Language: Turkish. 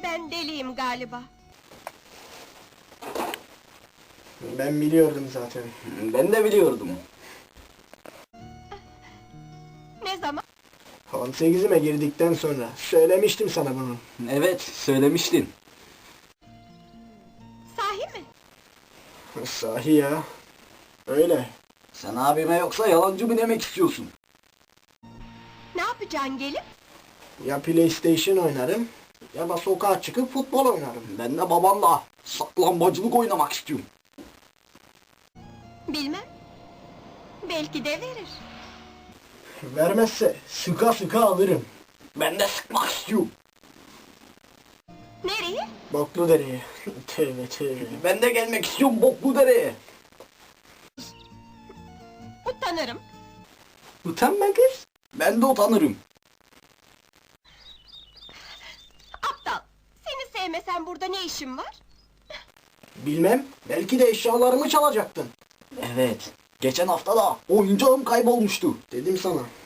Ben deliyim galiba. Ben biliyordum zaten. Ben de biliyordum. Ne zaman? 18'ime girdikten sonra. Söylemiştim sana bunu. Evet, söylemiştin. Sahi mi? Sahi ya. Öyle. Sen abime yoksa yalancı mı demek istiyorsun? Ne yapacaksın gelip? Ya PlayStation oynarım ya da sokağa çıkıp futbol oynarım. Ben de babamla saklambaçılık oynamak istiyorum. Bilmem. Belki de verir. Vermezse sıka sıka alırım. Ben de sıkmak istiyorum. Nereye? Boklu dereye. Tövbe tövbe. Ben de gelmek istiyorum Bokludere'ye. Utanırım. Utanma kız. Ben de utanırım. Aptal. Seni sevmesem burada ne işin var? Bilmem. Belki de eşyalarımı çalacaktın. Evet. Geçen hafta da oyuncağım kaybolmuştu. Dedim sana.